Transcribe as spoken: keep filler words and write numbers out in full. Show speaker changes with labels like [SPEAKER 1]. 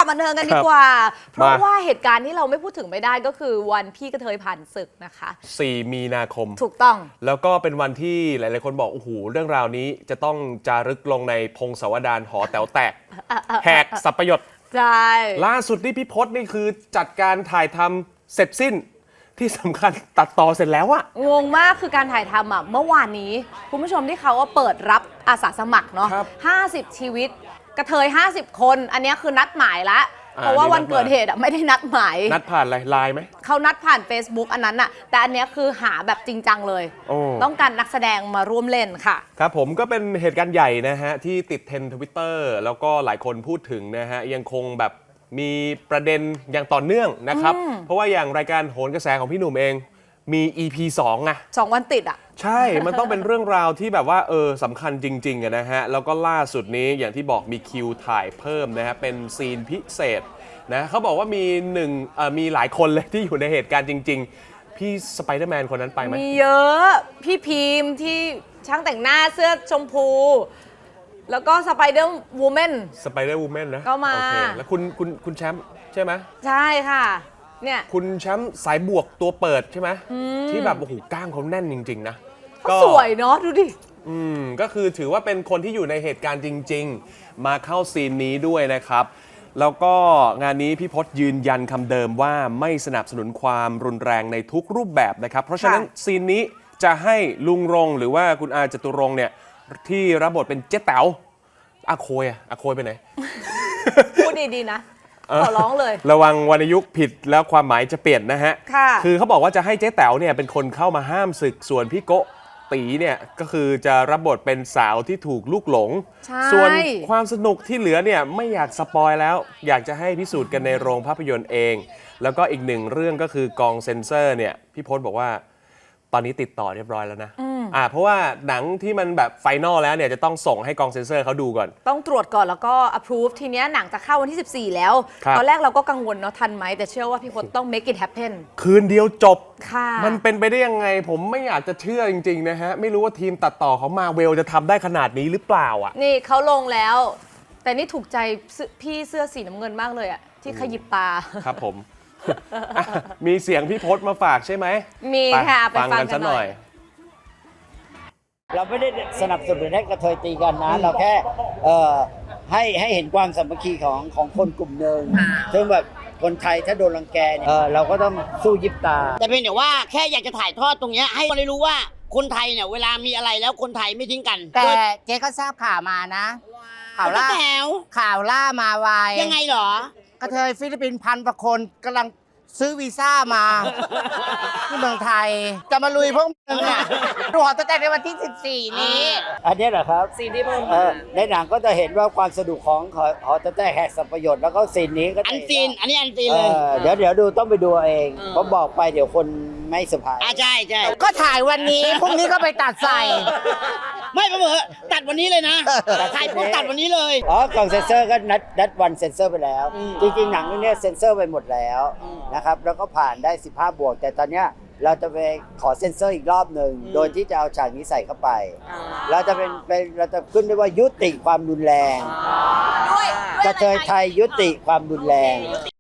[SPEAKER 1] บันเทิงกันดีกว่าเพราะว่าเหตุการณ์ที่เราไม่พูดถึงไม่ได้ก็คือวันพี่กระเทยผ่านศึกนะคะ
[SPEAKER 2] สี่มีนาคม
[SPEAKER 1] ถูกต้อง
[SPEAKER 2] แล้วก็เป็นวันที่หลายๆคนบอกโอ้โหเรื่องราวนี้จะต้องจารึกลงในพงศาวดารหอแต๋วแตกแหกสัพยศ
[SPEAKER 1] ใช่
[SPEAKER 2] ล่าสุดนี่พี่พศนี่คือจัดการถ่ายทำเสร็จสิ้นที่สำคัญตัดต่อเสร็จแล้วอะ
[SPEAKER 1] งงมากคือการถ่ายทำอ่ะเมื่อวานนี้คุณผู้ชมที่เขาว่าเปิดรับอาสาสมัครเนาะห้าสิบชีวิตกระเทยห้าสิบคนอันนี้คือนัดหมายละเพราะว่าวันเกิดเหตุอ่ะไม่ได้นัดหมาย
[SPEAKER 2] นัดผ่านอะไรไลน์ไหม
[SPEAKER 1] เขานัดผ่าน Facebook อันนั้นอ่ะแต่อันนี้คือหาแบบจริงจังเลยต้องการนักแสดงมาร่วมเล่นค่ะ
[SPEAKER 2] ครับผมก็เป็นเหตุการณ์ใหญ่นะฮะที่ติดเทรนด์ทวิตเตอร์แล้วก็หลายคนพูดถึงนะฮะยังคงแบบมีประเด็นอย่างต่อเนื่องนะครับเพราะว่าอย่างรายการโหนกระแสของพี่หนุ่มเองมี อี พี สองไง
[SPEAKER 1] สองวันติดอ่ะ
[SPEAKER 2] ใช่มันต้องเป็นเรื่องราวที่แบบว่าเออสำคัญจริงๆนะฮะแล้วก็ล่าสุดนี้อย่างที่บอกมีคิวถ่ายเพิ่มนะฮะเป็นซีนพิเศษนะเขาบอกว่ามีหนึ่งเอ่อมีหลายคนเลยที่อยู่ในเหตุการณ์จริงๆพี่สไปเดอร์แมนคนนั้นไปไหม
[SPEAKER 1] มีเยอะพี่พีมที่ช่างแต่งหน้าเสื้อชมพูแล้วก็สไปเดอร์วูแมน
[SPEAKER 2] สไปเดอร์วูแมนนะ
[SPEAKER 1] ก็มา
[SPEAKER 2] โอเคแล้วคุณคุณคุณแชมป์ใช่ไหม
[SPEAKER 1] ใช่ค่ะเนี่ย
[SPEAKER 2] คุณแชมป์สายบวกตัวเปิดใช่ไหมที่แบบโอ้โหก้างเขาแน่นจริงๆนะ
[SPEAKER 1] ก็สวยเนาะดูดิ
[SPEAKER 2] อืมก็คือถือว่าเป็นคนที่อยู่ในเหตุการณ์จริงๆมาเข้าซีนนี้ด้วยนะครับแล้วก็งานนี้พี่พศยืนยันคำเดิมว่าไม่สนับสนุนความรุนแรงในทุกรูปแบบนะครับเพราะฉะนั้นซีนนี้จะให้ลุงรงหรือว่าคุณอาจตุรงค์เนี่ยที่รับบทเป็นเจ๊แต๋วอาโคยอะอาโคยไปไหน
[SPEAKER 1] พูดดีๆนะขอร้องเลย
[SPEAKER 2] ระวังวรรณยุกต์ผิดแล้วความหมายจะเปลี่ยนนะฮะ
[SPEAKER 1] คือ
[SPEAKER 2] เขาบอกว่าจะให้เจ๊แต๋วเนี่ยเป็นคนเข้ามาห้ามศึกส่วนพี่โกตีเนี่ยก็คือจะรับบทเป็นสาวที่ถูกลูกหลงส่วนความสนุกที่เหลือเนี่ยไม่อยากสปอยแล้วอยากจะให้พิสูจน์กันในโรงภาพยนตร์เองแล้วก็อีกหนึ่งเรื่องก็คือกองเซ็นเซอร์เนี่ยพี่พศบอกว่าตอนนี้ติดต่อเรียบร้อยแล้วนะอ่าเพราะว่าหนังที่มันแบบไฟนอลแล้วเนี่ยจะต้องส่งให้กองเซ็นเซอร์เขาดูก่อน
[SPEAKER 1] ต้องตรวจก่อนแล้วก็ approve ทีเนี้ยหนังจะเข้าวันที่สิบสี่แล้วตอนแรกเราก็กังวลเนาะทันไหมแต่เชื่อว่าพี่พศต้อง make it happen
[SPEAKER 2] คืนเดียวจบ
[SPEAKER 1] ค่ะ
[SPEAKER 2] มันเป็นไปได้ยังไงผมไม่อยากจะเชื่อจริงๆนะฮะไม่รู้ว่าทีมตัดต่อเขามาเวลจะทำได้ขนาดนี้หรือเปล่าอ่ะ
[SPEAKER 1] นี่เขาลงแล้วแต่นี่ถูกใจพี่เสื้อสีน้ำเงินมากเลยอ่ะที่ขยิบตา
[SPEAKER 2] ครับผมมีเสียงพี่พศมาฝากใช่ไหม
[SPEAKER 1] มีค่ะไปฟังกันหน่อย
[SPEAKER 3] เราไม่ได้สนับสนุนให้กระเทยตีกันนะเราแค่เอ่อให้ให้เห็นความสามัคคีของของคนกลุ่มหนึ่งซึ่งแบบคนไทยถ้าโดนรังแกเนี่ยเออเราก็ต้องสู้ยิบตา
[SPEAKER 4] แต่เพียงแต่ว่าแค่อยากจะถ่ายทอดตรงนี้ให้คนได้รู้ว่าคนไทยเนี่ยเวลามีอะไรแล้วคนไทยไม่ทิ้งกัน
[SPEAKER 5] แต่เจ๊ก็ทราบข่าวมานะข่าวล่าข่าวล่ามาไว
[SPEAKER 4] ยังไงเหรอก
[SPEAKER 5] ระเทยฟิลิปปินส์พันกว่าคนกำลังซื้อวีซ่ามาที่เมืองไทยจะมาลุยพวกมึงอ่ะดูหอแต๋วในวันที่สิบสี่นี้
[SPEAKER 3] อันนี้เหรอครับ
[SPEAKER 1] ซีนที่เพิ่ม
[SPEAKER 3] ในหนังก็จะเห็นว่าความสนุกของหอแต๋วแหกสัพยศแล้วก็ซีนนี้ก็
[SPEAKER 4] อันซีนอันนี้อันซีนเลย
[SPEAKER 3] เดี๋ยวเดี๋ยวดูต้องไปดูเองเพราะบอกไปเดี๋ยวคนไม่สบาย
[SPEAKER 4] อ่าใช่ใช่
[SPEAKER 5] ก็ถ่ายวันนี้พรุ่งนี้ก็ไปตัดใส่
[SPEAKER 4] ไม่เผื่อตัดวันนี้เลยนะถ่ายปุ๊บตัดวันนี้เลย
[SPEAKER 3] อ๋อกล่องเซ็นเซอร์ก็นัดนัดวันเซ็นเซอร์ไปแล้วจริงๆหนังเรื่องนี้เซ็นเซอร์ไปหมดแล้วนะครับแล้วก็ผ่านได้สิบห้าบวกแต่ตอนนี้เราจะไปขอเซ็นเซอร์อีกรอบหนึ่งโดยที่จะเอาฉากนี้ใส่เข้าไปเราจะเป็นเป็นเราจะขึ้นด้วยว่ายุติความรุนแรงกระเทยไทยยุติความรุนแรง